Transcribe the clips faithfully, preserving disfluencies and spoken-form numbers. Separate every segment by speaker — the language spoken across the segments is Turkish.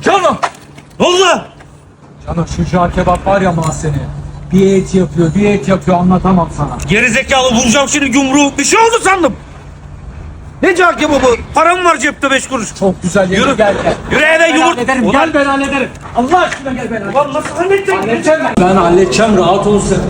Speaker 1: Cano!
Speaker 2: Ne oldu lan?
Speaker 1: Cano şu cağ kebap var ya mahzeni. Bir et yapıyor, bir et yapıyor anlatamam sana.
Speaker 2: Geri zekalı vuracağım şimdi yumruğu. Bir şey oldu sandım. Ne cağ kebabı? Param var cepte beş kuruş.
Speaker 1: Çok güzel yemek
Speaker 2: Yürü.
Speaker 1: gel gel.
Speaker 2: Yürü eve
Speaker 1: Ben
Speaker 2: yumurt.
Speaker 1: hallederim,
Speaker 2: Ulan,
Speaker 1: gel ben hallederim. Allah aşkına gel ben hallederim.
Speaker 2: ulan nasıl halledeceksin?
Speaker 1: Halledeceğim ben. Ben halledeceğim, rahat ol sen.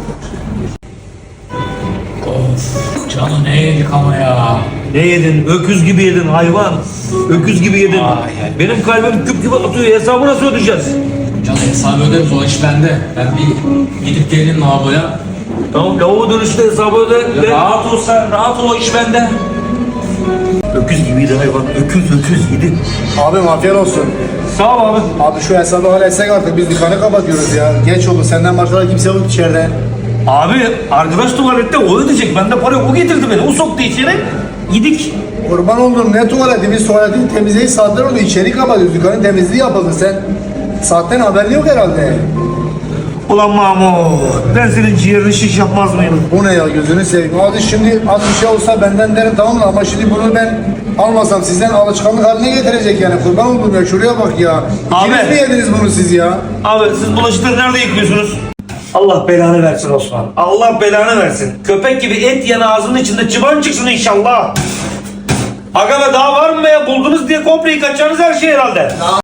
Speaker 1: Of, Cano ne yedik ama ya.
Speaker 2: Ne yedin? Öküz gibi yedin hayvan. Öküz gibi yedin.
Speaker 1: Ay, ay.
Speaker 2: Benim kalbim küp gibi atıyor. Hesabı nasıl ödeyeceğiz?
Speaker 1: Cano hesabı öderiz, o iş bende. Ben bir gidip gelin lavaboya.
Speaker 2: Tamam lavabo dönüşte hesabı öde. Ben-
Speaker 1: Rahat ol sen, rahat ol, o iş bende.
Speaker 2: Öküz gibiydi hayvan. Öküz öküz yedi.
Speaker 3: Abim afiyet olsun.
Speaker 2: Sağ ol abi.
Speaker 3: Abi şu hesabı halletsek artık biz dükkanı kapatıyoruz ya. Geç oldu senden başka da kimse yok içeride.
Speaker 2: Abi arkadaş tuvalette o ödeyecek. Bende para yok. O getirdi beni. O soktu içeri. Yedik.
Speaker 3: Kurban oldum ne tuvaleti biz tuvaletin temizliği saatler oldu içeri kapatıyoruz dükkanın temizliği yapıldı sen. Saatten haberin yok herhalde.
Speaker 2: Ulan Mahmut. Ben senin ciğerini şiş yapmaz mıyım?
Speaker 3: Bu ne ya gözünü seveyim. Hadi şimdi az bir şey olsa benden derim tamam mı ama şimdi bunu ben almasam sizden alışkanlık haline getirecek yani kurban oldum ya şuraya bak ya.
Speaker 2: Abi.
Speaker 3: İkiniz mi yediniz bunu siz ya?
Speaker 2: Abi siz bulaşıkları nerede yıkıyorsunuz? Allah belanı versin Osman. Allah belanı versin. Köpek gibi et yan ağzının içinde çıban çıksın inşallah. Aga be daha var mı be ya? Buldunuz diye komple yıkatacağınız her şey herhalde.